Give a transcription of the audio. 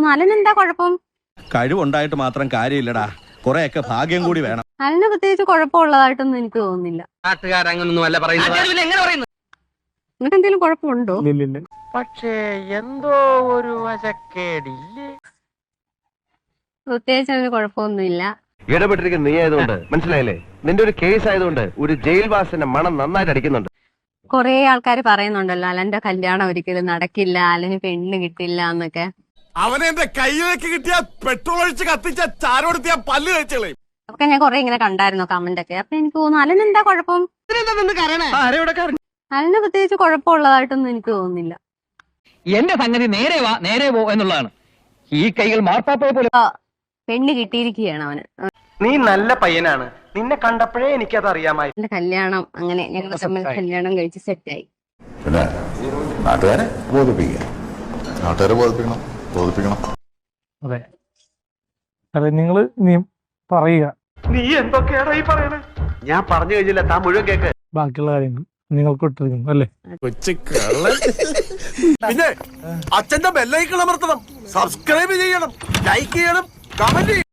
തോന്നുന്നു അലനെന്താ കുഴപ്പം? കഴിവുണ്ടായിട്ട് മാത്രം കാര്യമില്ലടാ, കുറെയൊക്കെ ഭാഗ്യം കൂടി വേണം. അലന് പ്രത്യേകിച്ച് കുഴപ്പമുള്ളതായിട്ടൊന്നും എനിക്ക് തോന്നുന്നില്ല. നാട്ടുകാരങ്ങനൊന്നും അല്ല പറയുന്നത്. നിങ്ങൾക്ക് എന്തെങ്കിലും കുഴപ്പമുണ്ടോ? പക്ഷേ എന്തോ ഒരു വശക്കേടില്ലേ. പ്രത്യേകിച്ച് അതിന് കുഴപ്പമൊന്നുമില്ല. ഇടപെട്ടിരിക്കുന്ന നീ ആയതുകൊണ്ട് മനസ്സിലായില്ലേ, നിന്റെ ഒരു കേസ് ആയതുകൊണ്ട് ഒരു ജയിൽവാസിന്റെ മണം നന്നായിട്ട് അടിക്കുന്നുണ്ട്. കൊറേ ആൾക്കാർ പറയുന്നുണ്ടല്ലോ അലന്റെ കല്യാണം ഒരിക്കലും നടക്കില്ല, അലന് പെണ്ണ് കിട്ടില്ല എന്നൊക്കെ. അവനെ എന്റെ കയ്യിലേക്ക് കിട്ടിയ പെട്രോൾ ഒഴിച്ച് കത്തിച്ച ചാരോടുത്തിയ പല്ല് കഴിച്ചോളെ. അതൊക്കെ ഞാൻ കൊറേ ഇങ്ങനെ കണ്ടായിരുന്നു കമന്റ് ഒക്കെ. അപ്പൊ എനിക്ക് തോന്നുന്നു അലനെന്താ കുഴപ്പം? അലന് പ്രത്യേകിച്ച് കുഴപ്പമുള്ളതായിട്ടൊന്നും എനിക്ക് തോന്നുന്നില്ല. എന്റെ സംഗതി നേരെ വാ നേരെ പോ എന്നുള്ളതാണ്. ഈ കൈകൾ മാർപ്പാപ്പയെ പോലെ. പെണ്ണ് കിട്ടിയിരിക്കുകയാണ് അവന്. നീ നല്ല പയ്യനാണ്, നിന്നെ കണ്ടപ്പോഴേ എനിക്കത് അറിയാമായി. എന്റെ കല്യാണം അങ്ങനെ ഞങ്ങൾ തമ്മിൽ കല്യാണം കഴിച്ച് സെറ്റായി. പിന്നെ നാട്ടുകാരെ ബോധിപ്പിക്കണം. അതെ അതെ, നിങ്ങള് നീ പറയുക. നീ എന്തൊക്കെയാണോ ഈ പറയണേ? ഞാൻ പറഞ്ഞു കഴിഞ്ഞില്ല, താൻ മുഴുവൻ കേക്ക്. ബാക്കിയുള്ള കാര്യങ്ങൾ നിങ്ങൾക്ക് ഇട്ടിരിക്കുന്നു അല്ലേ? പിന്നെ അച്ഛന്റെ ബെല്ലൈക്കൺ അമർത്തണം, സബ്സ്ക്രൈബ് ചെയ്യണം, ലൈക്ക് ചെയ്യണം, കമന്റ് ചെയ്യണം.